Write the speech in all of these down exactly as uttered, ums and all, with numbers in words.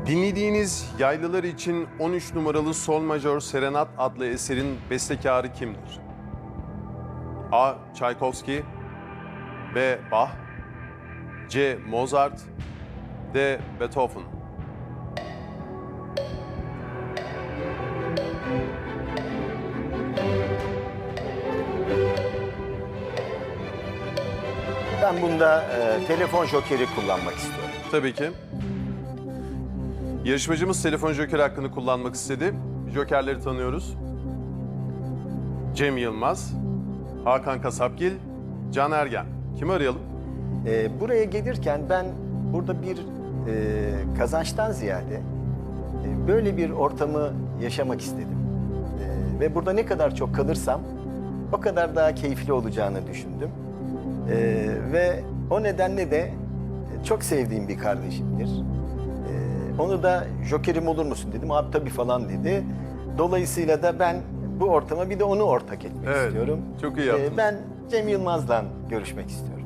Dinlediğiniz Yaylılar için on üç numaralı Sol Majör Serenat adlı eserin bestekarı kimdir? A. Tchaikovsky, B. Bach, C. Mozart, D. Beethoven. Ben bunda e, telefon jokeri kullanmak istiyorum. Tabii ki. Yarışmacımız telefon joker hakkını kullanmak istedi. Jokerleri tanıyoruz. Cem Yılmaz, Hakan Kasapgil, Can Ergen. Kimi arayalım? E, buraya gelirken ben burada bir e, kazançtan ziyade e, böyle bir ortamı yaşamak istedim. E, ve burada ne kadar çok kalırsam o kadar daha keyifli olacağını düşündüm. E, ve o nedenle de çok sevdiğim bir kardeşimdir. E, onu da jokerim olur musun dedim. Abi tabii falan dedi. Dolayısıyla da ben bu ortama bir de onu ortak etmek Evet, istiyorum. çok iyi yaptınız. E, ben Cem Yılmaz'la görüşmek istiyorum.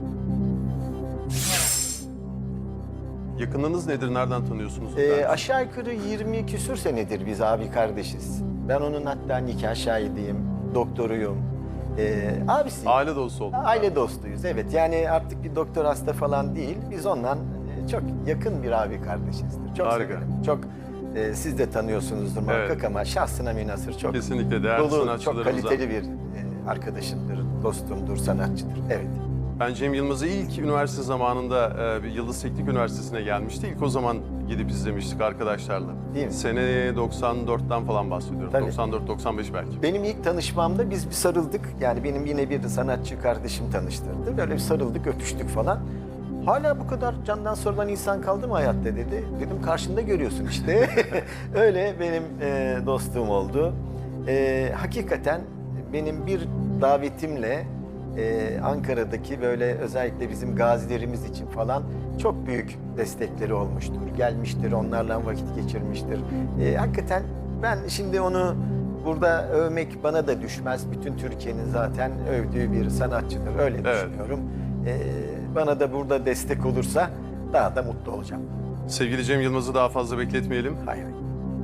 Yakınınız nedir? Nereden tanıyorsunuz? Ee, aşağı yukarı yirmi küsür senedir biz abi kardeşiz. Ben onun hatta nikah şahidiyim, doktoruyum. Ee, abisi. Aile dostu olduk. Aile dostuyuz, evet. Yani artık bir doktor hasta falan değil. Biz ondan e, çok yakın bir abi kardeşizdir. Çok Harika. severim. Çok, e, siz de tanıyorsunuzdur muhakkak Evet. ama şahsına münhasır çok Kesinlikle değerli dolu, çok sanatçılarımızdan. kaliteli bir e, arkadaşımdır, dostumdur, sanatçıdır. Evet. Ben Cem Yılmaz'ı ilk üniversite zamanında e, bir Yıldız Teknik Üniversitesi'ne gelmişti. İlk o zaman gidip izlemiştik arkadaşlarla. Değil mi? Sene doksan dörtten falan bahsediyorum. Tabii. doksan dört doksan beş belki. Benim ilk tanışmamda biz bir sarıldık. Yani benim yine bir sanatçı kardeşim tanıştırdı. Böyle bir sarıldık, öpüştük falan. Hala bu kadar candan sorulan insan kaldı mı hayatta dedi. Dedim karşında görüyorsun işte. Öyle benim e, dostluğum oldu. E, hakikaten benim bir davetimle e, Ankara'daki böyle özellikle bizim gazilerimiz için falan çok büyük destekleri olmuştur. Gelmiştir, onlarla vakit geçirmiştir. E, hakikaten ben şimdi onu burada övmek bana da düşmez. Bütün Türkiye'nin zaten övdüğü bir sanatçıdır. Öyle Evet. düşünüyorum. E, bana da burada destek olursa daha da mutlu olacağım. Sevgili Cem Yılmaz'ı daha fazla bekletmeyelim. Hayır. hayır.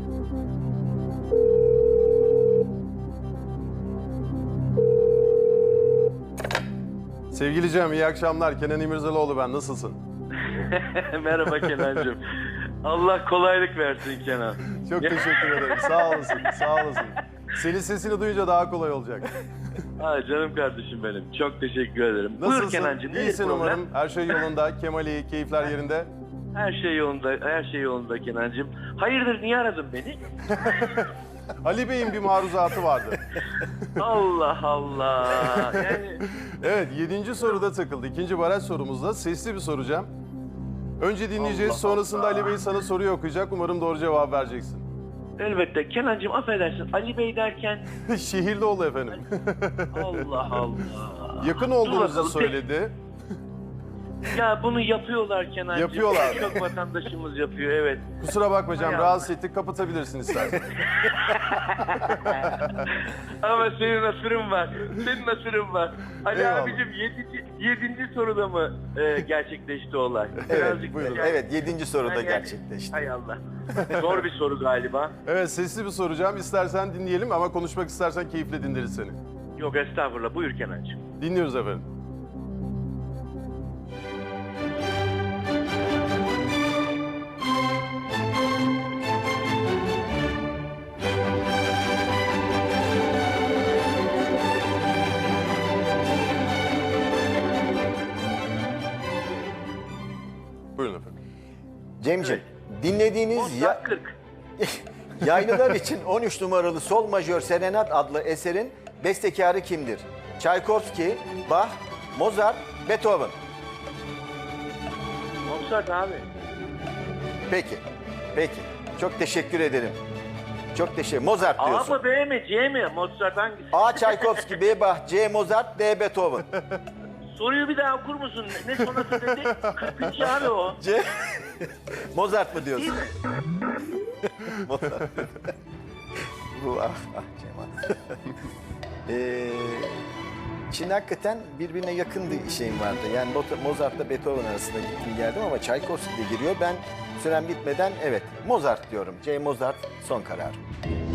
Sevgili Cem, iyi akşamlar. Kenan İmirzalıoğlu ben. Nasılsın? Merhaba Kenancığım. Allah kolaylık versin Kenan. Çok teşekkür ederim. Sağ olasın, sağ olasın. Senin sesini duyunca daha kolay olacak. Ha, canım kardeşim benim. Çok teşekkür ederim. Buyur Nasılsın? Kenancığım. nedir İyisin problem? umarım. Her şey yolunda. Kemal iyi, keyifler yerinde. Her şey yolunda, her şey yolunda Kenancığım. Hayırdır niye aradın beni? Ali Bey'in bir maruzatı vardı. Allah Allah. Yani Evet, yedinci soruda takıldı. İkinci baraj sorumuzda sesli bir soracağım. Önce dinleyeceğiz, Allah sonrasında Allah. Ali Bey sana soruyu okuyacak. Umarım doğru cevap vereceksin. elbette Kenancığım affedersin. Ali Bey derken Şehirli ol efendim. Allah Allah. Yakın Dur olduğunuzu bakalım. söyledi. Ya bunu yapıyorlar Kenancığım. Yapıyorlar. Çok vatandaşımız yapıyor evet. Kusura bakma Cem, Hay rahatsız ettik. Kapatabilirsin istersen. Ama senin nasırın var. Senin nasırın var. Ali Eyvallah. abicim yedinci, yedinci soruda mı e, gerçekleşti olay? Evet, buyurun. yani- Evet, yedinci soruda yani- gerçekleşti. Hay Allah. Zor bir soru galiba. Evet, sesli bir soracağım. İstersen dinleyelim ama konuşmak istersen keyifle dinleriz seni. Yok estağfurullah. Buyur Kenancığım. Dinliyoruz efendim. Buyurun efendim. Cemciğim, dinlediğiniz ya, Mozart kırk. Yaylılar için on üç numaralı Sol Majör Serenat adlı eserin bestekarı kimdir? Tchaikovsky, Bach, Mozart, Beethoven. Mozart abi. Peki, peki. Çok teşekkür ederim. Çok teşekkür. Mozart A diyorsun. mı B mi C mi? Mozart hangisi? A. Tchaikovsky, B. Bach, C. Mozart, D. Beethoven. Soruyu bir daha okur musun? Ne sonrası dedi? kırkıncı abi o. C. Mozart mı diyorsun? Değil mi? Mozart. Bu ah ah Cemal. ee, Şimdi hakikaten birbirine yakın bir şeyim vardı. Yani Mozart- Mozart'la Beethoven arasında gittim geldim ama Tchaikovsky de giriyor. Ben sürem bitmeden evet Mozart diyorum. C. Mozart son karar.